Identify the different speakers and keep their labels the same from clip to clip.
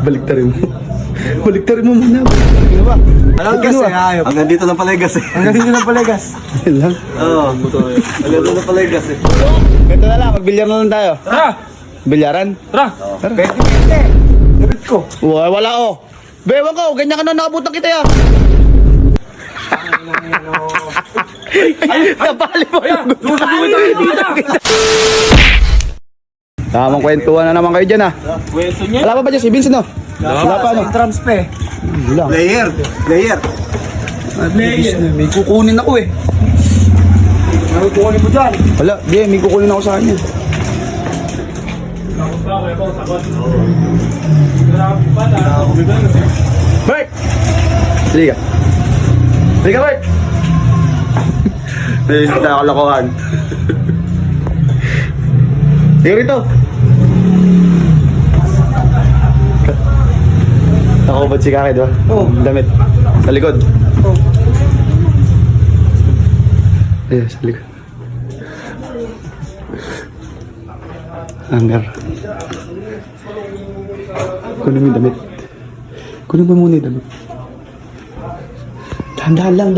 Speaker 1: Baliktarin mo. Baliktarin mo muna. Baliktarin ba?
Speaker 2: Anong gas eh, ayop.
Speaker 3: Hanggang dito lang pala yung gas eh.
Speaker 2: Hanggang dito lang pala gas.
Speaker 1: Yan lang.
Speaker 3: Oo. Hanggang dito lang pala yung gas eh.
Speaker 1: Ito na lang, magbilyar na lang tayo.
Speaker 4: Tara!
Speaker 1: Bilyaran?
Speaker 4: Tara!
Speaker 2: Pwede. Dapat ko.
Speaker 1: Wala oh. Bewan ko, ganyan ka na nakabutan kita ya. Napali mo. Tamang kwentuhan na naman kayo dyan ah.
Speaker 4: Kwento niya.
Speaker 1: Wala pa ba dyan si Vincent no? Wala pa ano?
Speaker 2: Entrance pa eh.
Speaker 1: Wala.
Speaker 3: Player.
Speaker 1: May kukunin ako eh.
Speaker 2: Ano kukunin mo dyan?
Speaker 1: Wala, di, may kukunin ako sa kanya. Bert! Sige ka. Sige ka, Bert! Naisip na ako lakuhan. Sige rito. Nakubad si Kaki, diba? Oo. Damit. Sa likod.
Speaker 2: Oo.
Speaker 1: Ayun, sa likod. Hanger. Kunin mo yung damit. Kunin mo muna yung damit. Dahan-dahan lang.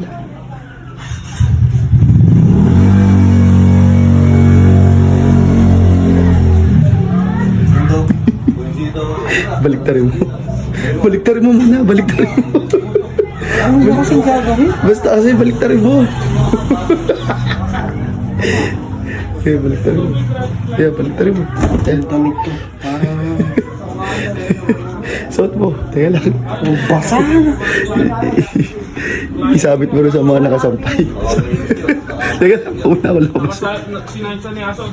Speaker 1: Baliktarin mo. Baliktarin mo muna. Baliktarin mo.
Speaker 2: Ano mo kasing gagawin?
Speaker 1: Basta kasi baliktarin mo. Kaya baliktarin mo. Kaya baliktarin mo.
Speaker 2: Damit ko.
Speaker 1: Suot mo. Teka lang.
Speaker 2: Basa.
Speaker 1: Isabit mo rin sa mga nakasampay. Teka lang. Una ko labas.
Speaker 4: Sinansa ni Aso.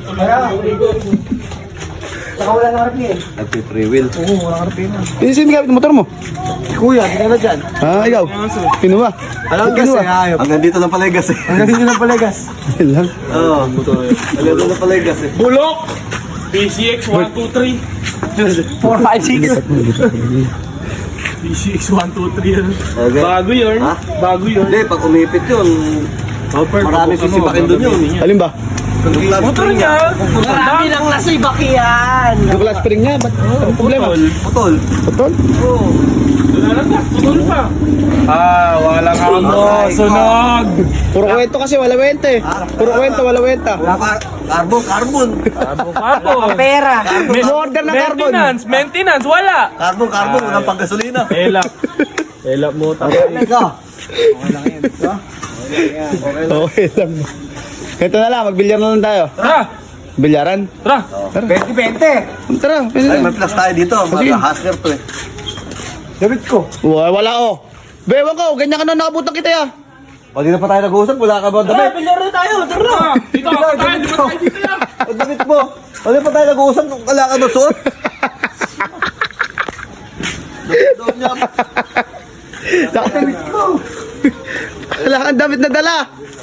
Speaker 2: Saka wala nang harap eh.
Speaker 3: Nagpi-free will.
Speaker 2: Oo, wala nang harap yun.
Speaker 1: Sino gamit ng motor mo?
Speaker 2: Kuya, hindi ka na dyan.
Speaker 1: Ha, ikaw? Sino ba?
Speaker 2: Anong gas eh, ayop.
Speaker 3: Hanggang dito lang pala yung gas eh.
Speaker 2: Hanggang dito lang pala gas.
Speaker 1: Yan lang.
Speaker 3: Oo. Hanggang dito lang pala yung gas eh.
Speaker 4: Bulok! PCX 123.
Speaker 2: 4, 5, 6.
Speaker 4: PCX 123.
Speaker 3: Okay.
Speaker 4: Bago yun.
Speaker 3: Ha?
Speaker 4: Bago yun.
Speaker 3: Hindi, pag umipit yun, marami sisipakin doon yun.
Speaker 1: Alin ba?
Speaker 4: Motor niya.
Speaker 2: Marami lang nasa ibakiyan.
Speaker 1: Yung class spring niya. Ba't? Anong problema?
Speaker 3: Putol.
Speaker 1: Putol?
Speaker 3: Oo.
Speaker 4: Wala lang. Putol pa. Wala ka mo. Sunog.
Speaker 1: Puro kwento kasi, wala wenta eh. Puro kwento, wala wenta.
Speaker 3: Carbon.
Speaker 4: Kapo.
Speaker 2: Pera.
Speaker 1: Order na carbon.
Speaker 4: Maintenance. Wala.
Speaker 3: Carbon. Walang panggasolina.
Speaker 4: Elap mo.
Speaker 3: Ikaw.
Speaker 1: Okay lang. Ito na lang, magbilyar na lang tayo.
Speaker 4: Tara.
Speaker 1: Bilyaran?
Speaker 4: Tara.
Speaker 1: Tara.
Speaker 2: 20.
Speaker 1: Tara, pwede
Speaker 3: Ay,
Speaker 1: na.
Speaker 3: may plus tayo dito.
Speaker 1: Sige.
Speaker 3: Mag-hustler to eh.
Speaker 2: Dapat ko.
Speaker 1: Wala oh. Bewan ko, ganyan ka na nakabutan kita ya.
Speaker 3: Pag na pa tayo nag-uusap, wala ka ba ang damit?
Speaker 2: Bilyar na tayo. Tara.
Speaker 4: Dito ako tayo. Di ba tayo dito yan?
Speaker 3: Ang damit mo. Pag pa tayo nag-uusap, wala ka ba suot? Damit niya.
Speaker 1: Damit ko. Wala kang damit na dala.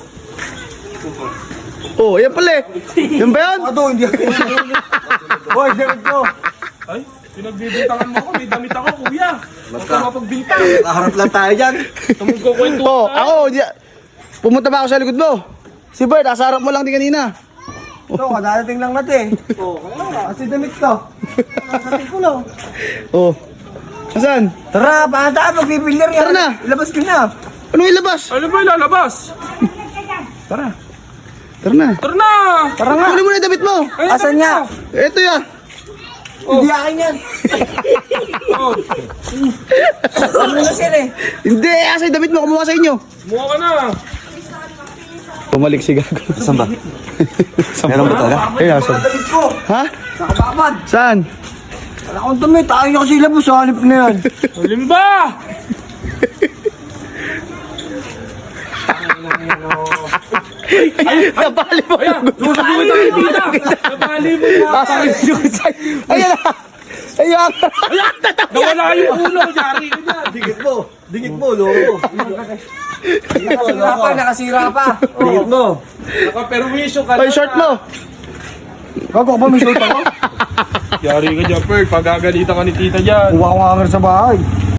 Speaker 1: Oh, yan pala eh. Yan ba yan?
Speaker 3: Ano, hindi ako.
Speaker 2: Hoy, damit ko.
Speaker 4: Ay, pinagbibintangan mo ako. May damit ako, kuya. Huwag ka mapagbintang.
Speaker 3: Nakaharap lang tayo dyan.
Speaker 4: Tumugkukwento.
Speaker 1: Oh, ako, pumunta ba ako sa likod mo? Si Bert, asarap mo lang din kanina.
Speaker 2: Ito, kadadating lang natin. Oo, kasi damit ko. Nakasating ko lang.
Speaker 1: Oh. Asan?
Speaker 2: Tara, paanta, magbibilyar yan.
Speaker 1: Tara na.
Speaker 2: Ilabas ko na.
Speaker 1: Anong ilabas?
Speaker 4: Ano ba ilalabas?
Speaker 1: Tara. Tara na.
Speaker 4: Tara na.
Speaker 2: Tara nga.
Speaker 1: Kunin mo na yung damit mo.
Speaker 4: Ay,
Speaker 2: Asan niya?
Speaker 1: Ito ya.
Speaker 2: Hindi akin yan.
Speaker 4: Oh,
Speaker 2: Ano na siya eh?
Speaker 1: Hindi, asa yung damit mo. Kumuha sa inyo.
Speaker 4: mukha ka na.
Speaker 1: Pumalik si Gago.
Speaker 3: Saan ba? Meron ba talaga?
Speaker 1: Ayun, asan?
Speaker 2: Damit ko.
Speaker 1: Ha?
Speaker 2: Nakababad.
Speaker 1: Saan?
Speaker 2: Wala akong damit. Ayaw niya kasi ilabas. Hanip na yan.
Speaker 4: Limba!
Speaker 1: Napali mo.
Speaker 4: Ayan, susubukin tayo dito. Napali mo na.
Speaker 1: Ayan na. Ayan.
Speaker 4: Nawala yung ulo. Yari ka dyan.
Speaker 3: Dingit mo, loko.
Speaker 2: Nakasira pa, nakasira pa.
Speaker 3: Dingit mo.
Speaker 4: Nakaperwisyo ka na.
Speaker 1: Ay, short mo.
Speaker 2: Gago ka ba may short ako?
Speaker 4: Yari ka dyan, Pearl. Pagagalitan ka ni tita dyan.
Speaker 2: Kuha ko nga sa bahay.